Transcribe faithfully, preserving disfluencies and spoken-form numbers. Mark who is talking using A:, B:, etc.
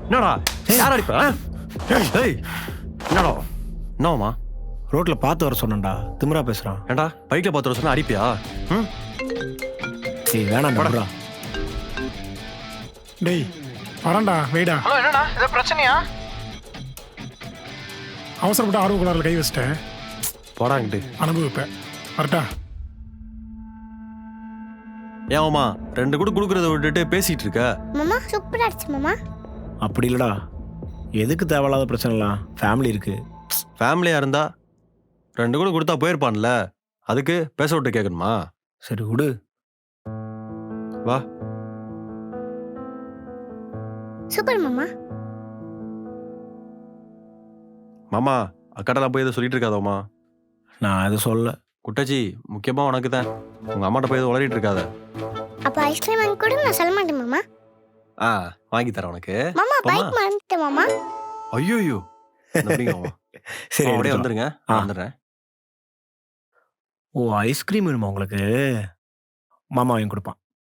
A: என்னடா யார் அடிப்பா ஏய் என்னடா என்னவாமா
B: ரோட்ல பார்த்து வர சொன்னேன்டா திமிரா பேசுறான்.
A: ஏண்டா பைக்ல பார்த்து வர சொன்னா அடிப்பியா? ம்
B: ஏய் வேணாம்
A: போடா.
B: டா.
C: டேய் வரேன்டா வெயிடா.
D: ஹலோ என்னடா ஏதோ பிரச்சனையா?
C: அவசரப்பட்டு ஆர்வ குளாரில் கை வச்சிட்டேன்.
A: போடாங்கிட்டு
C: அனுபவிப்பேன். வரட்டா.
A: ஏமாமா ரெண்டு கூட குடுக்கறத விட்டுட்டு பேசிட்டு இருக்க.
E: மாமா சூப்பரா அடிச்சு மாமா.
B: அப்படி இல்லடா. எதுக்கு தேவையில்லாத பிரச்சனைலாம்? ஃபேமிலி இருக்கு.
A: ஃபேமிலியா இருந்தா ரெண்டு கூட கொடுத்தா போயிருப்பான்ல, அதுக்கு பேச விட்டு கேட்கணுமா?
B: சரி விடு.
A: வா.
E: சூப்பர் மாமா.
A: மாமா அக்காட்டெல்லாம் போய் எதை சொல்லிட்டு இருக்காதோமா.
B: நான் எதுவும் சொல்ல.
A: குட்டச்சி முக்கியமா உனக்கு தான். உங்க அம்மாட்ட போய் எதுவும் உளறிட்டு இருக்காத.
E: அப்ப ஐஸ்கிரீம் வாங்கி கூட நான் சொல்ல மாட்டேன் மாமா.
A: ஆ வாங்கி தரேன் உனக்கு.
E: மாமா
A: போம்மா.
E: பைக் மறந்துட்டேன் மாமா.
A: ஐயோ
B: சரி
A: அப்படியே
B: எடுத்துக்கலாம்.
A: வந்துருங்க.
B: ஆ.
A: நான் வந்துடுறேன்.
B: ஓ ஐஸ்கிரீம் வேணுமா உங்களுக்கு? மாமா வாங்கி கொடுப்பான்.